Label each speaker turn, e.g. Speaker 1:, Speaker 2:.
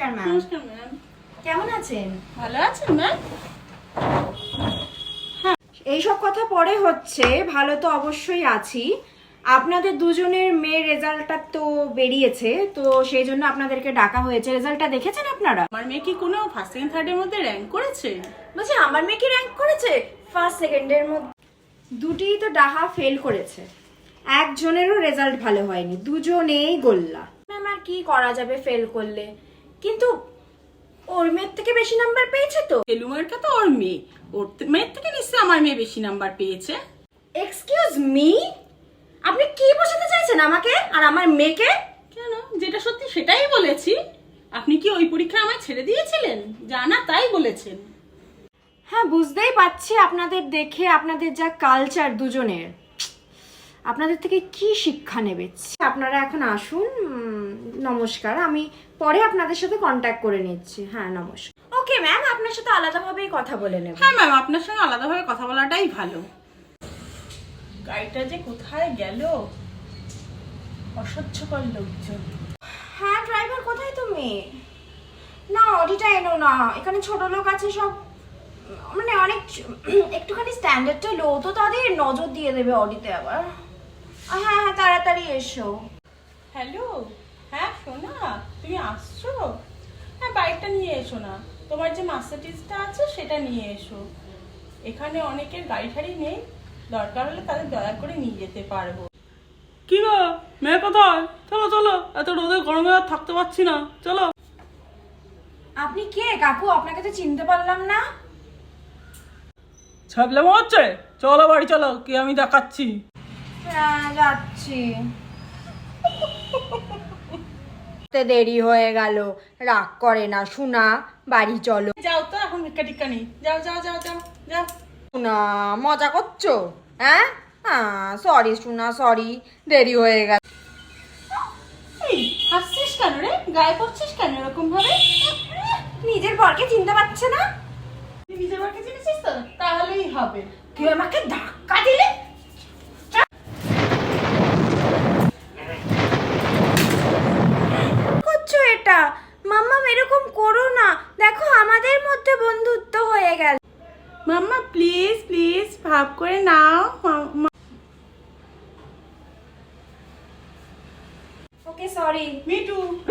Speaker 1: নমস্কার ম্যাম।
Speaker 2: নমস্কার ম্যাম।
Speaker 1: কেমন আছেন?
Speaker 2: ভালো আছেন ম্যাম?
Speaker 1: এইসব কথা পরে হচ্ছে, ভালো তো অবশ্যই আছি। আপনাদের দুজনের মেয়ের রেজাল্টটা তো বেরিয়েছে, তো সেই জন্য আপনাদেরকে ডাকা হয়েছে। রেজাল্টটা দেখেছেন আপনারা?
Speaker 2: আমার মেয়ে কি কোনো ফার্স্ট সেকেন্ড থার্ডের মধ্যে র্যাঙ্ক করেছে?
Speaker 1: বলছি আমার মেয়ে কি র্যাঙ্ক করেছে? ফার্স্ট সেকেন্ডের মধ্যে দুটিই তো ডাহা ফেল করেছে, একজনেরও রেজাল্ট ভালো হয়নি, দুজনেই গোল্লা। ম্যাম আর কি করা যাবে ফেল করলে, কিন্তু ওর মেয়ের থেকে বেশি নাম্বার পেয়েছে তো।
Speaker 2: এলুমারটা তো ওর মেয়ে, ওর মেয়ের থেকে নিশ্চয়ই আমার মেয়ে বেশি নাম্বার পেয়েছে।
Speaker 1: এক্সকিউজ মি, আপনি কি বোঝাতে চাইছেন আমাকে আর আমার মেয়েকে?
Speaker 2: কেন, যেটা সত্যি সেটাই বলেছি। আপনি কি ওই পরীক্ষা আমায় ছেড়ে দিয়েছিলেন? জানা তাই বলেছেন।
Speaker 1: হ্যাঁ বুঝতেই পারছি, আপনাদের দেখে আপনাদের যা কালচার দুজনের, আপনাদের থেকে কি শিক্ষা নেবে। আপনারা এখন আসুন, নমস্কার, আমি পরে আপনাদের সাথে কন্ট্যাক্ট করে নিচ্ছি। হ্যাঁ নমস্কার। ওকে ম্যাম, আপনার সাথে আলাদাভাবেই কথা বলে নেব।
Speaker 2: হ্যাঁ ম্যাম, আপনার সঙ্গে আলাদাভাবে কথা বলাটাই ভালো। গাড়িটা যে কোথায় গেল, অসহ্যকর লোকজন।
Speaker 1: হ্যাঁ ড্রাইভার কোথায় তুমি? না অডিটা এনো না, এখানে ছোট লোক আছে সব, মানে অনেক একটুখানি স্ট্যান্ডার্ডটা লো, তো তাদের নজর দিয়ে দেবে অডিতে আবার। হ্যাঁ হ্যাঁ তাড়াতাড়ি এসো।
Speaker 2: হ্যালো, হ্যাঁ সোনা, তুমি আসছো? হ্যাঁ বাইকটা নিয়ে এসো না, তোমার যে মার্সিডিজটা আছে সেটা নিয়ে এসো। এখানে অনেকের গাড়ি ঠাড়ি নেই, দরকার হলে তাদের দয়া করে নিয়ে যেতে পারবো। কি গো, মেয়ে কোথায়? চলো চলো, এত রোদে গরমে আর থাকতে পারছি না, চলো।
Speaker 1: আপনি কে কাকু? আপনাকে তো চিনতে পারলাম না।
Speaker 2: ছাবলে হচ্ছে, চলো বাড়ি চলো, কি আমি দেখাচ্ছি।
Speaker 1: হ্যাঁ যাচ্ছি। দেরি হয়ে গেল, রাগ করে না শোনা, বাড়ি চলো।
Speaker 2: যাও তো, এখন ভিক্ষা টিক্কা নেই, যাও যাও যাও যাও যাও।
Speaker 1: শোনা মজা করছো? হ্যাঁ সরি শোনা, সরি, দেরি হয়ে গেল।
Speaker 2: এই হাসছিস কেন রে, গায়ে পড়ছিস কেন এরকম ভাবে?
Speaker 1: নিজের বরকে চিনতে পারছে না?
Speaker 2: তুই নিজের বাড়িতে চিনেছিস তো, তাহলেই হবে।
Speaker 1: তুই আমাকে ধাক্কা দিলে। করছো এটা? মাম্মা এরকম করো না, দেখো আমাদের মধ্যে বন্ধুত্ব হয়ে গেল।
Speaker 2: মাম্মা প্লিজ প্লিজ ভাব করে নাও।
Speaker 1: ওকে সরি।
Speaker 2: মিটু